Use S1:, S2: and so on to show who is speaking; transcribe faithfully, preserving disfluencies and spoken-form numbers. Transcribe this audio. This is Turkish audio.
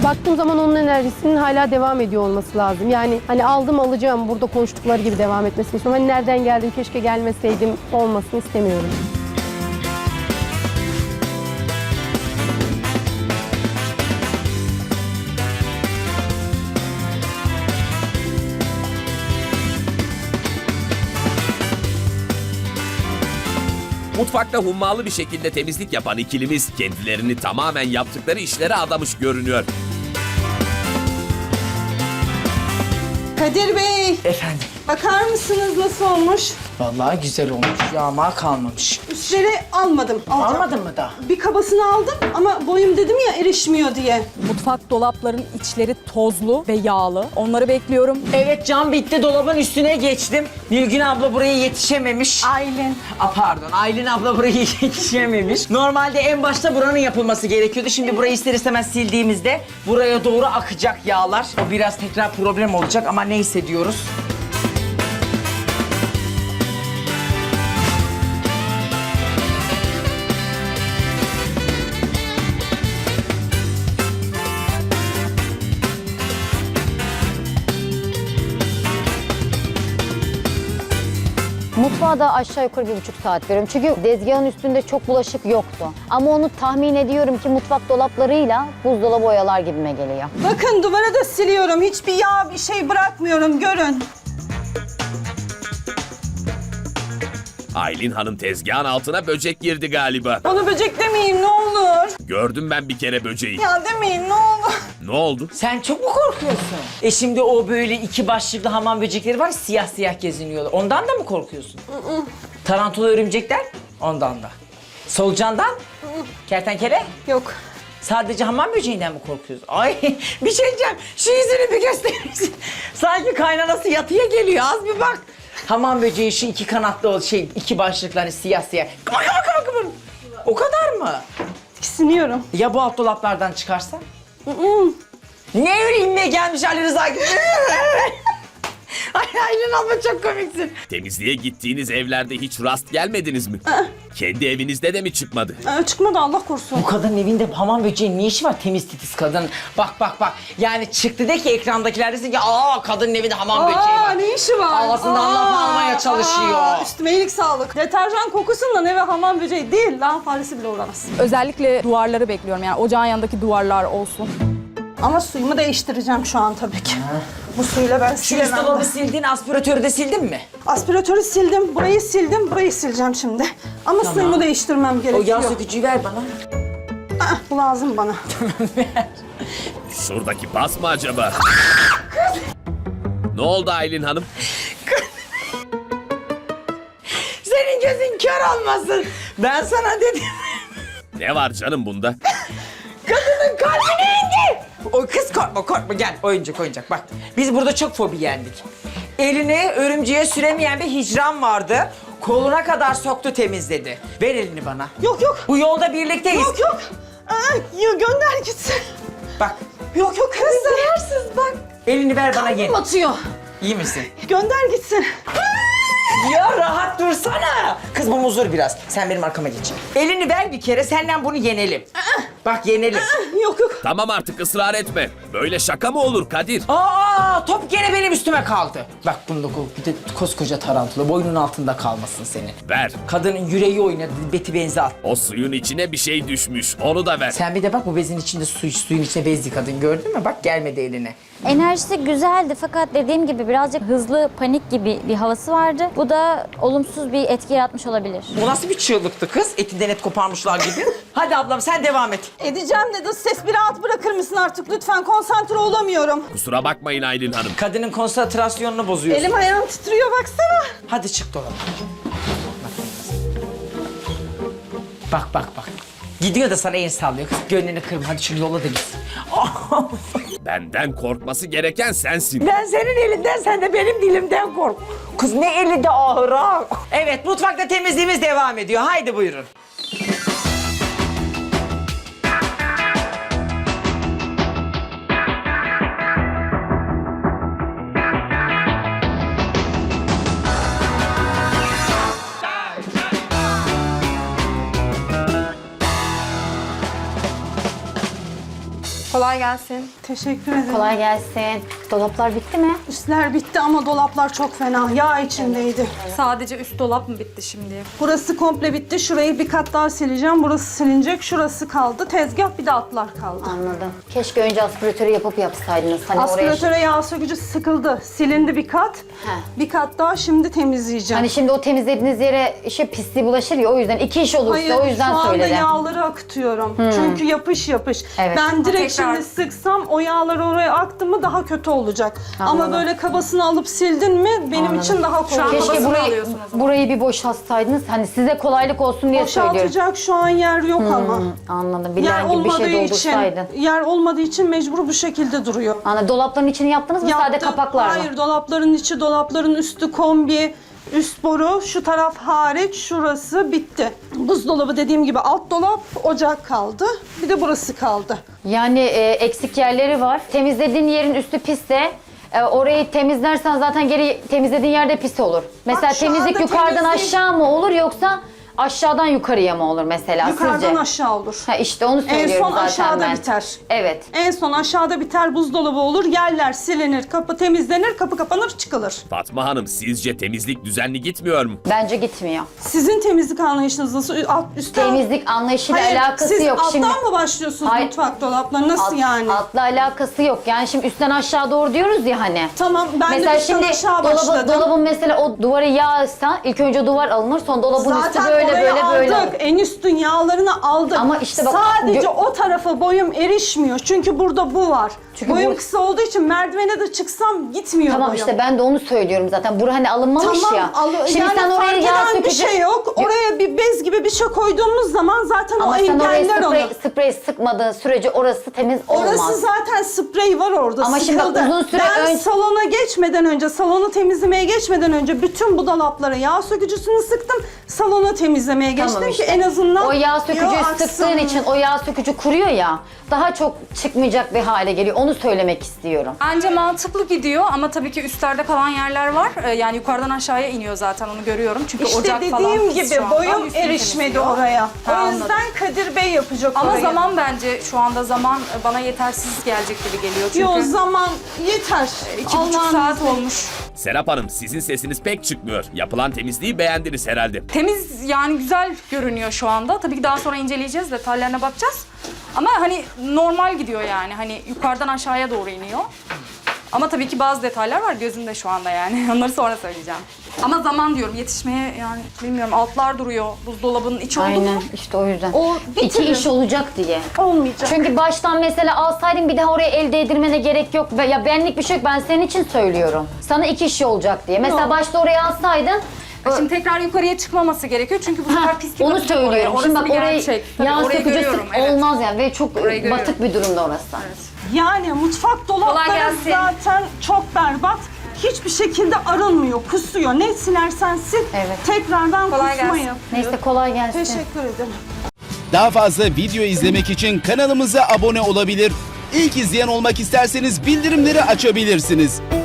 S1: Baktığım zaman onun enerjisinin hala devam ediyor olması lazım. Yani hani aldım alacağım burada konuştukları gibi devam etmesini istiyorum. Hani nereden geldim keşke gelmeseydim olmasını istemiyorum.
S2: Mutfakta hummalı bir şekilde temizlik yapan ikilimiz kendilerini tamamen yaptıkları işlere adamış görünüyor.
S3: Kadir Bey,
S4: Efendim,
S3: bakar mısınız nasıl olmuş?
S4: vallahi güzel olmuş. Yağma kalmamış.
S3: Üstleri almadım. Alacağım.
S4: Almadın mı da?
S3: Bir kabasını aldım ama boyum dedim ya erişmiyor diye.
S5: Mutfak dolapların içleri tozlu ve yağlı. Onları bekliyorum.
S4: Evet, cam bitti, dolabın üstüne geçtim. Nilgün abla buraya yetişememiş.
S3: Aylin.
S4: Aa, pardon, Aylin abla buraya yetişememiş. Normalde en başta buranın yapılması gerekiyordu. Şimdi burayı ister istemez sildiğimizde buraya doğru akacak yağlar. O biraz tekrar problem olacak ama neyse diyoruz.
S6: Mutfağa da aşağı yukarı bir buçuk saat veriyorum. Çünkü tezgahın üstünde çok bulaşık yoktu. Ama onu tahmin ediyorum ki mutfak dolaplarıyla buzdolabı oyalar gibime geliyor.
S3: Bakın duvara da siliyorum. Hiçbir yağ bir şey bırakmıyorum. Görün.
S2: Aylin Hanım tezgahın altına böcek girdi galiba.
S3: Bana böcek demeyin ne olur.
S2: Gördüm ben bir kere böceği.
S3: Ya demeyin ne olur.
S2: Ne oldu?
S4: Sen çok mu korkuyorsun? E şimdi o böyle iki başlıklı hamam böcekleri var, siyah siyah geziniyorlar. Ondan da mı korkuyorsun? Tarantula örümcekler? Ondan da. Solucandan? Kertenkele?
S3: Yok.
S4: Sadece hamam böceğinden mi korkuyorsun? Ay bir şey diyeceğim. Şu yüzünü bir gösterir misin? Sanki kaynanası yatıya geliyor. Az bir bak. Hamam böceği şu iki kanatlı o şey, iki başlıklı hani siyah siyah. Kıvır kıvır kıvır kıvır. O kadar mı?
S3: Tiksiniyorum.
S4: Ya bu alt dolaplardan çıkarsa? Ne öyle inmeye gelmiş Ali Rıza gibi? Ay Aylin abla çok komiksin.
S2: Temizliğe gittiğiniz evlerde hiç rast gelmediniz mi? Kendi evinizde de mi çıkmadı?
S3: Ee, çıkmadı Allah korusun.
S4: Bu kadının evinde hamam böceğinin ne işi var, temiz titiz kadın? Bak bak bak. Yani çıktı de ki ekrandakiler desin ki aa kadının evinde hamam böceği
S3: Aa
S4: var.
S3: ne işi var?
S4: Ağzından laf almaya çalışıyor.
S3: Aa, üstüme iyilik sağlık. Deterjan kokusundan eve hamam böceği değil. Lan faresi bile uğramaz.
S5: Özellikle duvarları bekliyorum. Yani ocağın yanındaki duvarlar olsun.
S3: Ama suyumu değiştireceğim şu an tabii ki. Bu suyla ben
S4: Şu
S3: silemem.
S4: üst dolabı sildin, aspiratörü de sildin mi?
S3: Aspiratörü sildim, burayı sildim, burayı sileceğim şimdi. Ama suyumu değiştirmem
S4: O
S3: gerekiyor.
S4: yağ sökücüyü ver bana.
S3: Ah, bu lazım bana.
S2: Şuradaki pas mı acaba? Ne oldu Aylin Hanım?
S4: Senin gözün kör olmasın. Ben sana dedim.
S2: Ne var canım bunda?
S4: Kadının kalbine indi. O kız korkma korkma gel oyuncak oyuncak bak. Biz burada çok fobi yendik. Elini örümceğe süremeyen bir hicran vardı. Koluna kadar soktu temizledi. Ver elini bana.
S3: Yok yok.
S4: Bu yolda birlikteyiz.
S3: Yok yok. Aa, ya gönder gitsin.
S4: Bak
S3: Yok yok kız zararsız bak.
S4: elini ver bana gel.
S3: Atıyor.
S4: İyi misin?
S3: Gönder gitsin.
S4: Ya rahat dursana. Kız bu muzur biraz. Sen benim arkama geç. Elini ver bir kere senden bunu yenelim. Bak yenelim.
S3: Yok yok.
S2: Tamam artık ısrar etme. Böyle şaka mı olur Kadir?
S4: Aa top gene benim üstüme kaldı. Bak bunda bir de koskoca tarantula boynun altında kalmasın senin.
S2: Ver.
S4: Kadının yüreği oynadı, beti benzi attı.
S2: O suyun içine bir şey düşmüş. Onu da ver.
S4: Sen bir de bak bu bezin içinde su, suyun içine bezdi kadın gördün mü? Bak gelmedi eline.
S6: Enerjisi güzeldi fakat dediğim gibi birazcık hızlı panik gibi bir havası vardı. Bu da olumsuz bir etki yaratmış olabilir.
S4: Bu nasıl bir çığlıktı kız? Etinden et koparmışlar gibi. Hadi ablam sen devam et.
S3: Edeceğim dedi. Ses bir rahat bırakır mısın artık lütfen? Konsantre olamıyorum.
S2: Kusura bakmayın Aylin Hanım.
S4: Kadının konsantrasyonunu bozuyorsun.
S3: Elim ayağım titriyor baksana.
S4: Hadi çık dolaba. Bak bak bak. Gidiyor da sana el sallıyor. Kız gönlünü kırma. Hadi şu yola da gitsin.
S2: Benden korkması gereken sensin.
S4: Ben senin elinden, sen de benim dilimden kork. Kız ne eli de ağır ha. Evet, mutfakta temizliğimiz devam ediyor. Haydi buyurun.
S5: Kolay
S7: Kolay gelsin.
S3: Teşekkür ederim.
S6: Kolay gelsin. Dolaplar bitti mi?
S3: Üstler bitti ama dolaplar çok fena. Yağ içindeydi.
S7: Sadece üst dolap mı bitti şimdi?
S3: Burası komple bitti. Şurayı bir kat daha sileceğim. Burası silinecek. Şurası kaldı. Tezgah bir de altlar kaldı.
S6: Anladım. Keşke önce aspiratörü yapıp yapsaydınız. Hani oraya...
S3: Aspiratöre yağ sökücü sıkıldı. Silindi bir kat.
S6: He.
S3: Bir kat daha şimdi temizleyeceğim.
S6: Hani şimdi o temizlediğiniz yere işe pisliği bulaşır ya, o yüzden iki iş olursa
S3: Hayır,
S6: o yüzden
S3: şu anda
S6: söyledim.
S3: yağları akıtıyorum. Çünkü yapış yapış.
S6: Evet.
S3: Ben direkt
S7: Tekrar.
S3: şimdi sıksam o yağlar oraya aktı mı daha kötü olacak.
S6: Anladım.
S3: Ama böyle kabasını alıp sildin mi benim
S6: Anladım.
S3: için daha kolay.
S7: an
S6: Keşke
S7: Babasını
S6: burayı,
S7: alıyorsun o zaman.
S6: burayı bir boşaltsaydınız. Hani size kolaylık olsun diye söylüyorum.
S3: Boşaltacak şu an yer yok ama.
S6: Anladım. Bir
S3: Yer
S6: leğen gibi bir
S3: olmadığı
S6: şey
S3: için,
S6: doldursaydın.
S3: yer olmadığı için mecbur bu şekilde duruyor.
S6: Anladım. Dolapların içini yaptınız mı? Sade
S3: Yaptım.
S6: kapaklar mı?
S3: Hayır, dolapların içi, dolapların üstü kombi, üst boru, şu taraf hariç, şurası bitti. Buzdolabı dediğim gibi alt dolap, ocak kaldı. Bir de burası kaldı.
S6: Yani e, eksik yerleri var. Temizlediğin yerin üstü pisse e, orayı temizlersen zaten geri temizlediğin yerde pis olur. Mesela
S3: şu
S6: temizlik
S3: anda
S6: yukarıdan
S3: temizlik-
S6: aşağı mı olur yoksa aşağıdan yukarıya mı olur mesela
S3: Yukarıdan
S6: sizce?
S3: aşağı olur.
S6: Ha işte onu
S3: En
S6: söylüyorum
S3: son
S6: zaten
S3: aşağıda
S6: ben.
S3: biter.
S6: Evet.
S3: En son aşağıda biter, buzdolabı olur, yerler silinir, kapı temizlenir, kapı kapanır, çıkılır.
S2: Fatma Hanım sizce temizlik düzenli gitmiyor mu?
S6: Bence gitmiyor.
S3: Sizin temizlik anlayışınız nasıl? Alt, üstten...
S6: Temizlik anlayışıyla
S3: Hayır,
S6: alakası
S3: siz
S6: yok.
S3: alttan
S6: Şimdi
S3: mı başlıyorsunuz
S6: Hayır.
S3: mutfak dolapları? Nasıl
S6: alt-
S3: yani?
S6: altla alakası yok. Yani şimdi üstten aşağı doğru diyoruz ya hani.
S3: Tamam, ben
S6: Mesela
S3: de üstten
S6: şimdi
S3: aşağı
S6: dolabı,
S3: başladım.
S6: dolabın mesela o duvarı yağsa ilk önce duvar alınır, sonra dolabın
S3: Zaten
S6: üstü böyle
S3: orayı
S6: böyle
S3: aldık.
S6: böyle olur.
S3: En üstün yağlarını aldık.
S6: Ama işte bak-
S3: Sadece
S6: gö-
S3: o tarafa boyum erişmiyor. Çünkü burada bu var.
S6: Çünkü
S3: boyum
S6: bu-
S3: kısa olduğu için merdivene de çıksam gitmiyor
S6: Tamam
S3: boyum.
S6: işte ben de onu söylüyorum zaten. Bura hani alınmamış
S3: Tamam,
S6: ya.
S3: al-
S6: Şimdi
S3: yani
S6: sen oraya
S3: fark
S6: yağ
S3: eden bir
S6: sökecek.
S3: şey yok. Oraya bir bez gibi bir şey koyduğumuz zaman zaten
S6: Ama
S3: o
S6: sen oraya
S3: engeller onu.
S6: sprey, sprey sıkmadığın sürece orası temiz olmaz.
S3: Orası zaten sprey var orada,
S6: Ama şimdi bak
S3: sıkıldı.
S6: uzun süre
S3: ben
S6: ön-
S3: salona geçmeden önce, salonu temizlemeye geçmeden önce bütün bu dolaplara yağ sökücüsünü sıktım. Salonu temizlemeye geçtim
S6: Tamam işte.
S3: ki en azından
S6: o yağ sökücüyü
S3: yağ aksın.
S6: sıktığın için o yağ sökücü kuruyor ya. Daha çok çıkmayacak bir hale geliyor. Onu söylemek istiyorum.
S7: Bence mantıklı gidiyor ama tabii ki üstlerde kalan yerler var. Ee, Yani yukarıdan aşağıya iniyor zaten onu görüyorum. Çünkü
S3: İşte
S7: ocak falan
S3: dediğim
S7: pis
S3: gibi
S7: şu anda.
S3: boyum
S7: Üstünü
S3: erişmedi
S7: temizliyor.
S3: oraya.
S7: Ha,
S3: o
S7: anladım.
S3: yüzden Kadir Bey yapacak
S7: Ama
S3: orayı.
S7: zaman bence şu anda zaman bana yetersiz gelecek gibi geliyor. Çünkü
S3: Yo, zaman yeter.
S7: iki buçuk
S3: Allah'ın
S7: saat
S3: izniyle.
S7: olmuş.
S2: Serap Hanım sizin sesiniz pek çıkmıyor. Yapılan temizliği beğendiniz herhalde.
S7: Temiz yani güzel görünüyor şu anda. Tabii ki daha sonra inceleyeceğiz, detaylarına bakacağız. Ama hani normal gidiyor yani. Hani yukarıdan aşağıya doğru iniyor. Ama tabii ki bazı detaylar var gözümde şu anda yani. Onları sonra söyleyeceğim. Ama zaman diyorum yetişmeye yani bilmiyorum altlar duruyor. Buzdolabının içi oldu
S6: Aynen
S7: mu?
S6: işte o yüzden.
S3: O
S6: İki
S3: bitirir.
S6: iş olacak diye.
S3: Olmayacak.
S6: Çünkü baştan mesela alsaydın bir daha oraya el değdirmene gerek yok. Ve ya benlik bir şey yok, ben senin için söylüyorum. Sana iki iş olacak diye. Mesela
S3: Yok.
S6: başta oraya alsaydın.
S7: Şimdi tekrar yukarıya çıkmaması gerekiyor çünkü bu sefer
S6: Ha,
S7: pislik
S6: onu
S7: yapacak oraya.
S6: söylüyorum.
S7: Orası
S6: Şimdi bak
S7: bir
S6: orayı
S7: gerçek. Tabii
S6: yağ
S7: orayı
S6: sökücüsü
S7: görüyorum, evet.
S6: olmaz yani ve çok
S7: Orayı görüyorum.
S6: batık bir durumda orası.
S3: Yani mutfak dolapları
S7: gelsin.
S3: zaten çok berbat. Hiçbir şekilde arınmıyor, kusuyor. Ne silersen sil,
S6: Evet.
S3: tekrardan
S7: Kolay
S3: kusma
S7: gelsin.
S3: yapıyor.
S6: Neyse kolay gelsin.
S3: Teşekkür ederim.
S8: Daha fazla video izlemek için kanalımıza abone olabilir. İlk izleyen olmak isterseniz bildirimleri açabilirsiniz.